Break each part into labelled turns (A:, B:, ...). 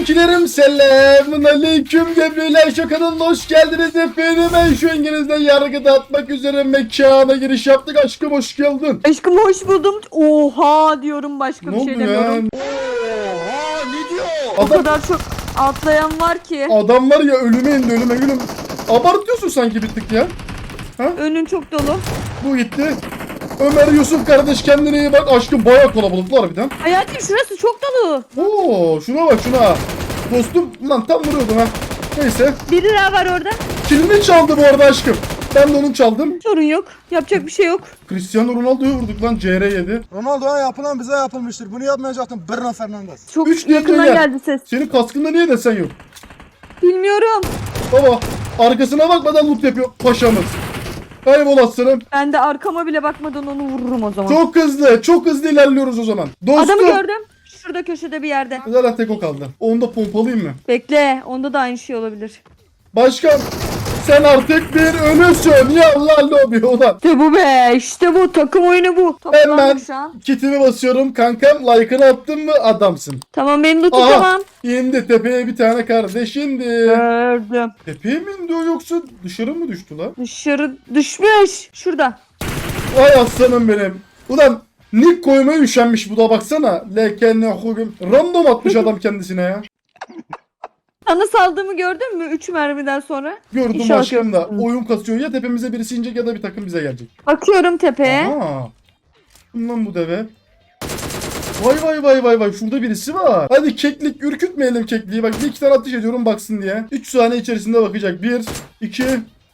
A: Kankilerim selamun aleyküm gebreler, şu kanalına hoş geldiniz efendim. Ben şu İngiliz'den yargı dağıtmak üzere mekana giriş yaptık. Aşkım hoş geldin.
B: Aşkım hoş buldum. Oha diyorum, başka
A: Ne
B: bir şey
A: oldu ya?
B: demiyorum.
A: Oha ne diyor?
B: O kadar çok atlayan var ki.
A: Adam var ya, ölüme indi ölüme gülüm. Abartıyorsun sanki bir tık ya.
B: Önün çok dolu.
A: Bu gitti. Ömer Yusuf kardeş kendine iyi bak. Aşkım bayağı kalabalıklar harbiden.
B: Hayatım şurası çok dolu.
A: Oo şuna bak şuna. Dostum lan tam vuruyordum ha. Neyse.
B: Biri daha var orada.
A: Kilini çaldı bu arada aşkım. Ben de onun çaldım.
B: Sorun yok. Yapacak bir şey yok.
A: Cristiano Ronaldo'yu vurduk lan, CR7.
C: Ronaldo'ya yapılan bize yapılmıştır. Bunu yapmayacaktın Bruno Fernandes.
B: Çok
A: 3 deyince
B: yakından
A: gel.
B: geldi ses.
A: Senin kaskında niye desen yok?
B: Bilmiyorum.
A: Baba arkasına bakmadan loot yapıyor paşamız. Kaybol aslanım.
B: Ben de arkama bile bakmadan onu vururum o zaman.
A: Çok hızlı ilerliyoruz o zaman. Dostum.
B: Adamı gördüm. Şurada köşede bir yerde.
A: Zaten tek o kaldı. Onu da pompalayayım mı?
B: Bekle. Onda da aynı şey olabilir.
A: Başkan sen artık bir ölüsün. Ya Allah lobi ulan.
B: İşte bu be. İşte bu. Takım oyunu bu.
A: Hemen
B: Toplandık şu an.
A: kitimi basıyorum kankam. Like'ını attın mı adamsın.
B: Tamam, benim de
A: Aha
B: tamam.
A: indi tepeye bir tane kardeş indi.
B: Gördüm.
A: Tepeye mi indi o, yoksa dışarı mı düştü lan?
B: Dışarı düşmüş. Şurada.
A: Vay aslanım benim. Ulan nick koymaya üşenmiş bu da, baksana. Lekenne hugum. Random atmış adam kendisine ya.
B: Sana saldığımı gördün mü? 3 mermiden sonra.
A: Gördüm
B: İnşallah
A: aşkım da.
B: görürsün.
A: Oyun kasıyor. Ya tepemize birisi inecek ya da bir takım bize gelecek.
B: Bakıyorum tepeye.
A: Aa. Kim lan bu deve? Vay vay vay vay vay. Şurada birisi var. Hadi keklik, ürkütmeyelim kekliği. Bak bir iki tane ateş ediyorum baksın diye. 3 saniye içerisinde bakacak. 1, 2,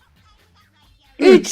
A: 3.
B: 3.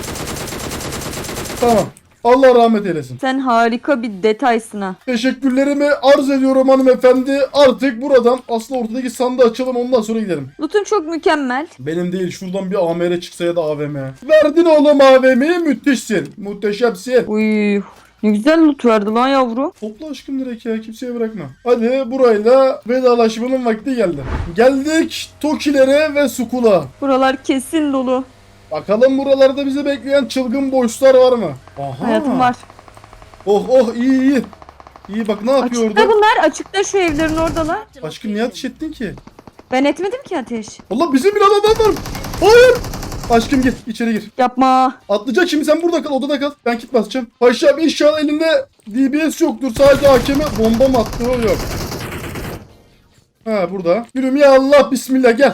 A: Tamam. Allah rahmet eylesin.
B: Sen harika bir detaysın ha.
A: Teşekkürlerimi arz ediyorum hanımefendi. Artık buradan aslında ortadaki sandığı açalım, ondan sonra gidelim.
B: Loot'un çok mükemmel.
A: Benim değil, şuradan bir AMR çıksa ya da AVM. Verdin oğlum AVM'yi, müthişsin. Muhteşemsin.
B: Uy, ne güzel loot verdi lan yavru.
A: Topla aşkım direkt ya, kimseye bırakma. Hadi burayla vedalaşmanın vakti geldi. Geldik Tokilere ve Sukula.
B: Buralar kesin dolu.
A: Bakalım buralarda bizi bekleyen çılgın boşlar var mı? Aha.
B: Hayatım var.
A: Oh oh, iyi iyi. İyi bak ne yapıyor
B: Açıkta
A: orada?
B: bunlar. Açıkta şu evlerin oradalar.
A: Aşkım niye ateş ettin ki?
B: Ben etmedim ki ateş.
A: Allah bizim bir adam var. Hayır. Aşkım gir içeri gir.
B: Yapma.
A: Atlayacak şimdi, sen burada kal, odada kal. Ben kit basacağım. Paşam inşallah elinde DBS yoktur. Sadece hakeme bomba mı attı, o yok. Ha burada. Yürüm ya Allah, bismillah gel.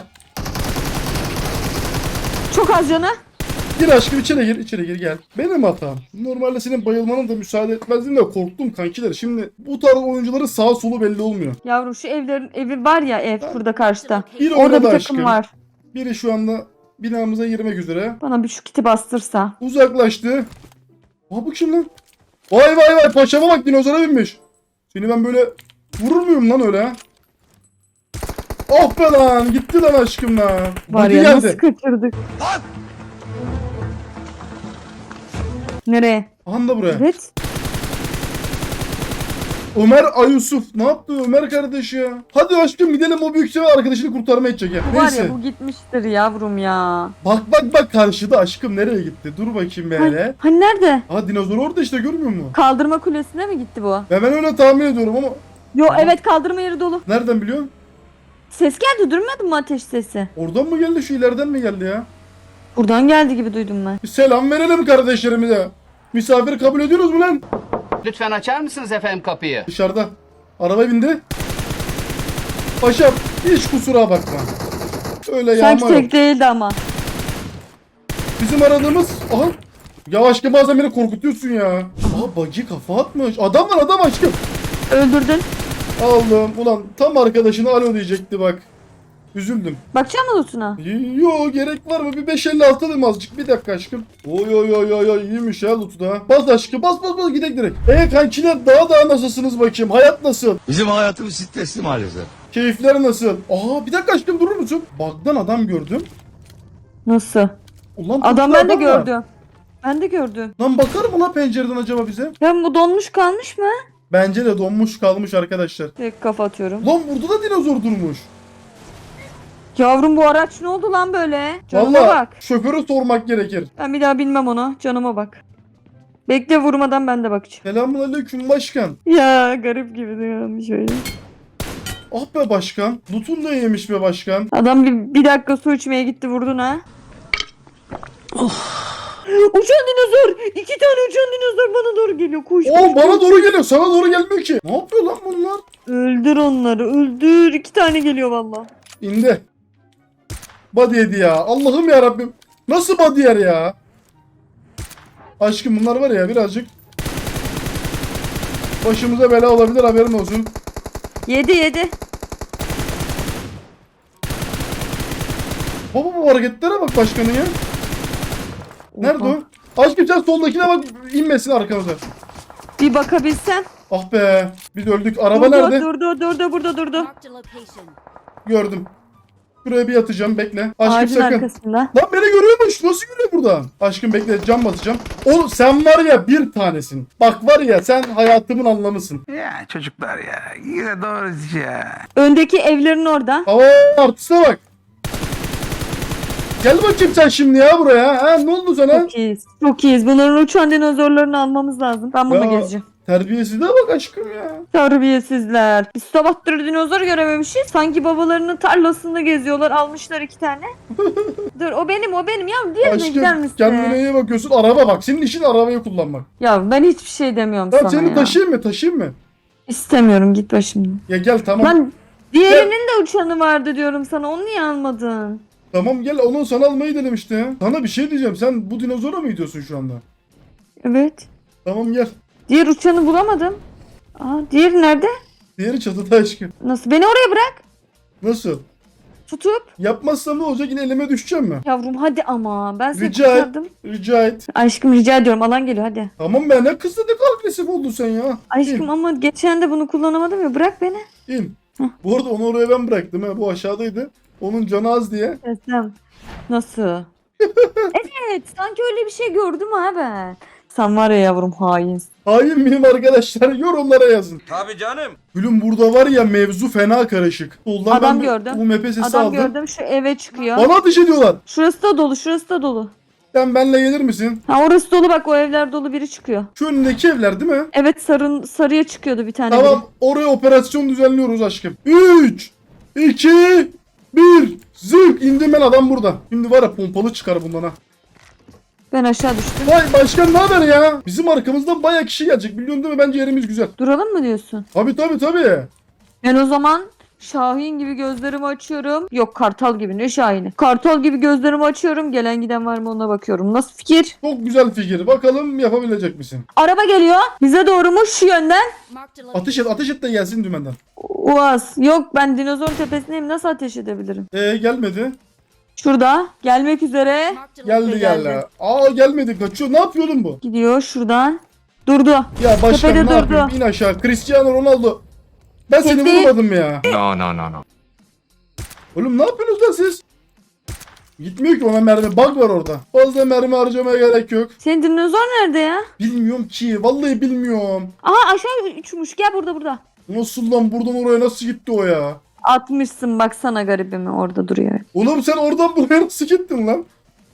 B: Çok az canı.
A: Gir aşkım içeri gir gel. Benim hatam. Normalde senin bayılmanın da müsaade etmezdim de korktum kankiler. Şimdi bu tarz oyuncuların sağ solu belli olmuyor.
B: Yavrum şu evi var ya, ev burada karşıda.
A: Bir
B: Orada
A: oynadı
B: bir takım
A: aşkım.
B: var.
A: Biri şu anda binamıza girmek üzere.
B: Bana bir şu kiti bastırsa.
A: Uzaklaştı. Aa bu kim lan? Vay vay vay, paşama bak, dinozora binmiş. Seni ben böyle vurur muyum lan öyle ha? Oh be lan, gitti lan aşkım lan.
B: Var
A: Buggy
B: ya,
A: geldi.
B: nasıl kaçırdık. Nereye?
A: Aha da buraya.
B: Evet.
A: Ömer Ayusuf. Ne yaptı Ömer kardeş ya? Hadi aşkım gidelim, o büyük sefer arkadaşını kurtarmaya gidecek ya.
B: Bu var
A: Neyse.
B: ya, bu gitmiştir yavrum ya.
A: Bak karşıda aşkım, nereye gitti? Dur bakayım böyle.
B: Hani nerede?
A: Ha dinozor orada işte, görmüyor musun?
B: Kaldırma kulesine mi gitti bu?
A: Ben öyle tahmin ediyorum ama
B: Yo
A: Aha.
B: evet, kaldırma yeri dolu.
A: nereden biliyorsun?
B: Ses geldi, durmadı mı ateş sesi?
A: Oradan mı geldi, şu ileriden mi geldi ya?
B: Buradan geldi gibi duydum ben.
A: Bir selam verelim kardeşlerimize. Misafir kabul ediyoruz mu lan?
D: Lütfen açar mısınız efendim kapıyı?
A: Dışarıda. Araba bindi. Paşam hiç kusura bakma. Öyle
B: Sanki
A: yağma yok.
B: tek değildi ama.
A: Bizim aradığımız... Aha. Ya aşkım bazen beni korkutuyorsun ya. Aha buggy kafa atmış. Adam var adam aşkım.
B: Öldürdün.
A: Allah'ım ulan tam arkadaşına alo diyecekti bak. Üzüldüm.
B: Bakacak mısın lootuna?
A: Yo gerek var mı? Bir 556 alayım azıcık. Bir dakika aşkım. Oy iyiymiş ya loot'u da. Bas aşkım bas gidek direkt. Kankiler daha nasılsınız bakayım? Hayat nasıl?
E: Bizim hayatımız stresli maalesef.
A: Keyifler nasıl? Aa bir dakika aşkım, durur musun? Bug'dan adam gördüm.
B: Nasıl?
A: Ulan
B: Adam
A: toplu
B: ben de
A: var.
B: gördüm. Ben de gördüm.
A: Lan bakar mı lan pencereden acaba bize?
B: Ya bu donmuş kalmış mı?
A: Bence de donmuş kalmış arkadaşlar.
B: Tek kafa atıyorum.
A: Lan burada da dinozor durmuş.
B: Yavrum bu araç ne oldu lan böyle? Canıma
A: Vallahi
B: bak.
A: şoförü sormak gerekir.
B: Ben bir daha bilmem onu. Canıma bak. Bekle, vurmadan ben de bakacağım.
A: Selamünaleyküm başkan.
B: Ya garip gibi diyorum şöyle.
A: Ah be başkan. Loot'un da yemiş be başkan.
B: Adam bir dakika su içmeye gitti vurdun ha. Uçan dinozor. 2 tane uçan dinozor bana doğru geliyor. Koş koş.
A: Oo bana doğru geliyor. Sana doğru gelmiyor ki. Ne yapıyor lan bunlar?
B: Öldür onları öldür. 2 tane geliyor valla.
A: İndi. Body yedi ya. Allah'ım ya Rabbim. Nasıl body yer ya? Aşkım bunlar var ya birazcık başımıza bela olabilir, haberin olsun.
B: Yedi.
A: Baba bu hareketlere bak başkanın ya. Nerede
B: Oha.
A: o? Aşkım sen soldakine bak, inmesin arkamıza.
B: Bir bakabilsem.
A: Ah be. Biz öldük. Araba
B: Durdu,
A: nerede?
B: Durdu burada durdu.
F: Marked a location.
A: Gördüm. Şuraya bir yatacağım, bekle. Aşkım
B: Ağacın
A: sakın.
B: arkasında.
A: Lan beni görüyormuş. Nasıl görüyor buradan? Aşkım bekle, cam basacağım. Oğlum sen var ya bir tanesin. Bak var ya sen hayatımın anlamısın.
E: Ya çocuklar ya. Yine doğru ya.
B: Öndeki evlerin orada.
A: Hava artısına bak. Gel bakayım sen şimdi ya buraya. Ha, ne oldu sana?
B: Çok iyiyiz. Çok iyiyiz. Bunların uçan dinozorlarını almamız lazım. Ben bununla
A: Ya.
B: gezeceğim.
A: Terbiyesizliğe bak aşkım ya.
B: Terbiyesizler. Biz sabahtır dinozor görememişiz. Sanki babalarının tarlasında geziyorlar. Almışlar 2 tane. Dur o benim. Ya diğerine gider
A: Aşkım
B: misin?
A: kendine iyi bakıyorsun. Araba bak. Senin işin arabayı kullanmak.
B: Ya ben hiçbir şey demiyorum
A: Tamam
B: sana
A: seni
B: ya.
A: taşıyayım mı?
B: İstemiyorum git başımdan.
A: Ya gel tamam.
B: Lan diğerinin de uçanı vardı diyorum sana. Onu niye almadın?
A: Tamam gel, onu sana almayı dedim işte. Sana bir şey diyeceğim. Sen bu dinozora mı gidiyorsun şu anda?
B: Evet.
A: Tamam gel.
B: Diğer uçanı bulamadım. Aa diğeri nerede?
A: Diğeri çatıda aşkım.
B: Nasıl? Beni oraya bırak.
A: Nasıl?
B: Tutup.
A: Yapmazsam ne olacak? Yine elime düşeceğim mi?
B: Yavrum hadi ama. Ben seni
A: Rica et.
B: kurtardım.
A: Rica et.
B: Aşkım rica ediyorum. Alan geliyor hadi.
A: Tamam be, ne kızdı, ne kadar agresif oldun sen ya.
B: Aşkım ama geçen de bunu kullanamadım ya. Bırak beni.
A: İn. Bu arada onu oraya ben bıraktım ha. Bu aşağıdaydı. Onun canı az diye.
B: Desem. Nasıl? Evet. Sanki öyle bir şey gördüm ha ben. Sen var ya yavrum hainsin.
A: Hain miyim arkadaşlar? Yorumlara yazın.
E: Tabii canım.
A: Gülüm burada var ya mevzu fena karışık. Soldan
B: Adam
A: ben
B: gördüm.
A: Bu mepe sesi
B: Adam
A: aldım.
B: gördüm şu eve çıkıyor.
A: Bana ateş ediyorlar.
B: Şurası da dolu. Şurası da dolu.
A: Sen benle gelir misin?
B: Ha orası dolu bak o evler dolu biri çıkıyor.
A: Şu önündeki evler değil mi?
B: Evet sarıya çıkıyordu bir tane
A: Tamam, oraya operasyon düzenliyoruz aşkım. 3, 2, 1. Zık indim ben, adam burada. Şimdi var ya pompalı çıkar bundan ha.
B: biri. Ben aşağı düştüm.
A: Vay başkan ne haber ya? Bizim arkamızdan bayağı kişi gelecek, biliyorsun değil mi? Bence yerimiz güzel.
B: Duralım mı diyorsun?
A: Tabii.
B: Ben o zaman Şahin gibi gözlerimi açıyorum. Yok kartal gibi ne Şahin'i? Kartal gibi gözlerimi açıyorum. Gelen giden var mı ona bakıyorum. Nasıl fikir?
A: Çok güzel fikir. Bakalım yapabilecek misin?
B: Araba geliyor. Bize doğru mu şu yönden?
F: Marked a location.
A: Ateş et de gelsin dümenden.
B: Uaz. Yok ben dinozor tepesindeyim. Nasıl ateş edebilirim?
A: Gelmedi.
B: Şurada. Gelmek üzere.
F: Marked a location.
A: Geldi. Aa gelmedi, kaçıyor. Ne yapıyor oğlum bu?
B: Gidiyor şuradan. Durdu.
A: Ya başkan
B: Tepede
A: ne yapayım?
B: durdu.
A: İn aşağı. Cristiano Ronaldo. Ben seni
B: Tekli.
A: vurmadım ya.
E: No.
A: Oğlum ne yapıyorsunuz lan siz? Gitmiyor ki, ona mermi. Bug var orada. Fazla mermi harcamaya gerek yok.
B: Senin dinozor nerede ya?
A: Bilmiyorum ki. Vallahi bilmiyorum.
B: Aha aşağı uçmuş. Gel burada.
A: Nasıl lan, buradan oraya nasıl gitti o ya?
B: Atmışsın baksana garibimi orada duruyor.
A: Oğlum sen oradan buraya nasıl gittin lan?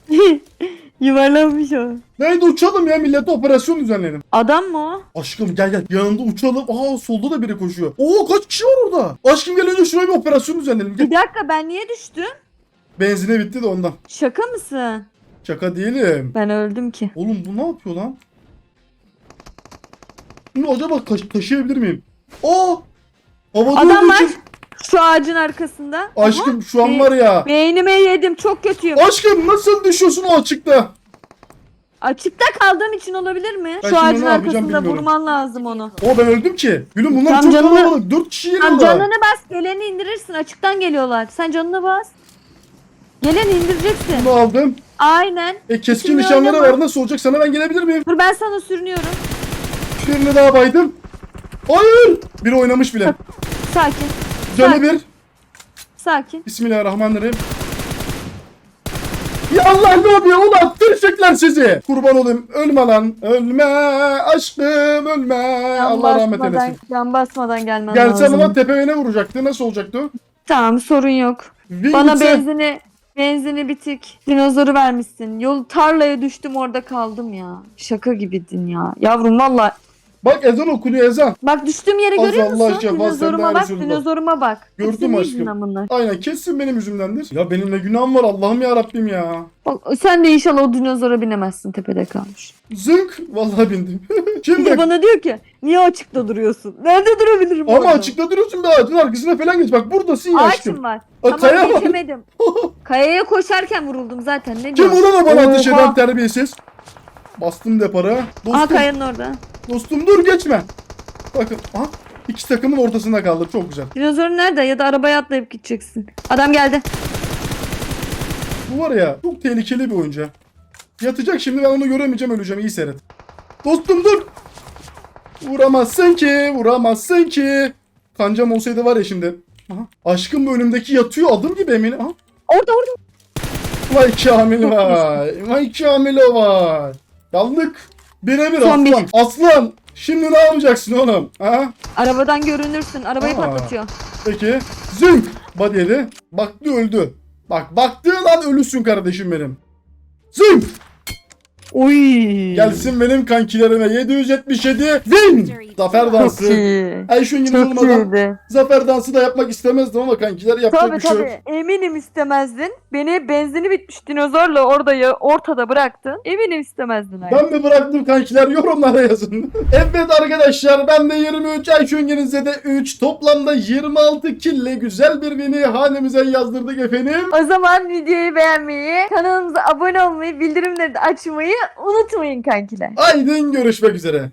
B: Yuvarlanmış o.
A: Neydi, uçalım ya, millete operasyon düzenleyelim.
B: Adam mı o?
A: Aşkım gel yanında uçalım. Aa solda da biri koşuyor. Oo kaç kişi var orada? Aşkım gel önce şuraya bir operasyon düzenleyelim. Gel.
B: Bir dakika ben niye düştüm?
A: Benzine bitti de ondan.
B: Şaka mısın?
A: Şaka değilim.
B: Ben öldüm ki.
A: Oğlum bu ne yapıyor lan? Bunu acaba taşıyabilir miyim? Aa! Havada
B: Adam
A: olduğu
B: var.
A: için-
B: Şu ağacın arkasında.
A: Aşkım şu an
B: Be-
A: var ya.
B: Beynime yedim çok kötüyüm.
A: Aşkım nasıl düşüyorsun o açıkta?
B: Açıkta kaldığım için olabilir mi?
A: Ben
B: Şu
A: şimdi
B: ağacın
A: ne yapacağım
B: arkasında
A: bilmiyorum.
B: vurman lazım onu.
A: O ben öldüm ki. Gülüm bunlar
B: Tam
A: çok
B: canını-
A: kalabalık. 4 kişi
B: Tam
A: geliyorlar.
B: canını bas geleni indirirsin açıktan geliyorlar. Sen canını bas. Geleni indireceksin.
A: Bunu aldım.
B: Aynen.
A: Keskin
B: İkisini
A: nişanları
B: oynama.
A: var, nasıl olacak? Sana ben gelebilir miyim?
B: Dur ben sana sürünüyorum.
A: Birini daha baydım. Hayır! Biri oynamış bile.
B: Sakin.
A: Canı
B: Sakin.
A: bir.
B: Sakin.
A: Bismillahirrahmanirrahim. Ya Allah ne yapıyor? Ulan tırşıklar sizi. Kurban olayım. Ölme lan. Ölme aşkım ölme. Allah rahmet eylesin.
B: Can basmadan gelmen
A: Gelsem
B: lazım.
A: ama tepeme ne vuracaktı? Nasıl olacaktı o?
B: Tamam sorun yok.
A: Wing
B: Bana
A: gitse-
B: benzini bitik. Dinozoru vermişsin. Yol tarlaya düştüm orada kaldım ya. Şaka gibidin ya. Yavrum valla
A: Bak ezan okunuyor ezan.
B: Bak düştüğüm yeri
A: Az
B: görüyor
A: Allah
B: musun?
A: aşkına,
B: Dinozoruma
A: sen
B: bak,
A: neredesin
B: dinozoruma bak.
A: Gördüm
B: Hepsinin
A: aşkım.
B: yüzünden bunlar.
A: Aynen kesin benim yüzümdendir. Ya benim ne günahım var Allah'ım ya Rabbim ya.
B: Bak sen de inşallah o dinozora binemezsin, tepede kalmış.
A: Zınk vallahi bindim.
B: Bir
A: Şimdi
B: de bana diyor ki niye açıkta duruyorsun? Nerede durabilirim
A: ama
B: orada?
A: açıkta duruyorsun be ağacın arkasına falan geç. Bak buradasın ya aşkım.
B: Ağaçım var.
A: Aa, kaya
B: Tamam
A: var.
B: geçemedim. Kayaya koşarken vuruldum zaten. Ne
A: Kim
B: diyorsun?
A: vurana bana ateş
B: Oha.
A: eden terbiyesiz. Bastım depara.
B: Aa
A: Dostum,
B: kayanın orada.
A: dostum dur geçme. Bakın aha, iki takımın ortasında kaldım çok güzel.
B: Dinozorun nerede? Ya da arabaya atlayıp gideceksin. Adam geldi.
A: Bu var ya çok tehlikeli bir oyuncu. Yatacak şimdi ben onu göremeyeceğim öleceğim iyi seyret. Dostum dur. Vuramazsın ki vuramazsın ki. Kancam olsaydı var ya şimdi. Aha, aşkım bu önümdeki yatıyor adım gibi eminim. Aha.
B: Orada.
A: Vay Kamil vay. Vay Kamil o vay. Yandık. Birebir
B: Son bir.
A: aslan. Aslan. Şimdi ne yapacaksın oğlum? Ha?
B: Arabadan görünürsün. Arabayı
A: Aa.
B: patlatıyor.
A: Peki. Zınk. Body yedi. Baktı öldü. Bak baktığın an ölüsün kardeşim benim. Zınk.
B: Oy.
A: Gelsin benim kankilerime 777 win. Zafer
B: Çok
A: dansı.
B: iyi.
A: Ay şu İngiliz
B: Çok
A: olmadan
B: iyiydi.
A: zafer dansı da yapmak istemezdim ama kankiler yapacak
B: Tabii
A: bir şey yok.
B: tabii. Eminim istemezdin. Beni benzini bitmiş dinozorla ortada bıraktın. Eminim istemezdin.
A: Ben mi bıraktım kankiler yorumlara yazın. Evet arkadaşlar ben de 23 Ayşungeniz'e de 3 toplamda 26 kille güzel bir win'i hanemize yazdırdık efendim.
B: O zaman videoyu beğenmeyi, kanalımıza abone olmayı, bildirimleri de açmayı unutmayın kankiler.
A: Haydi görüşmek üzere.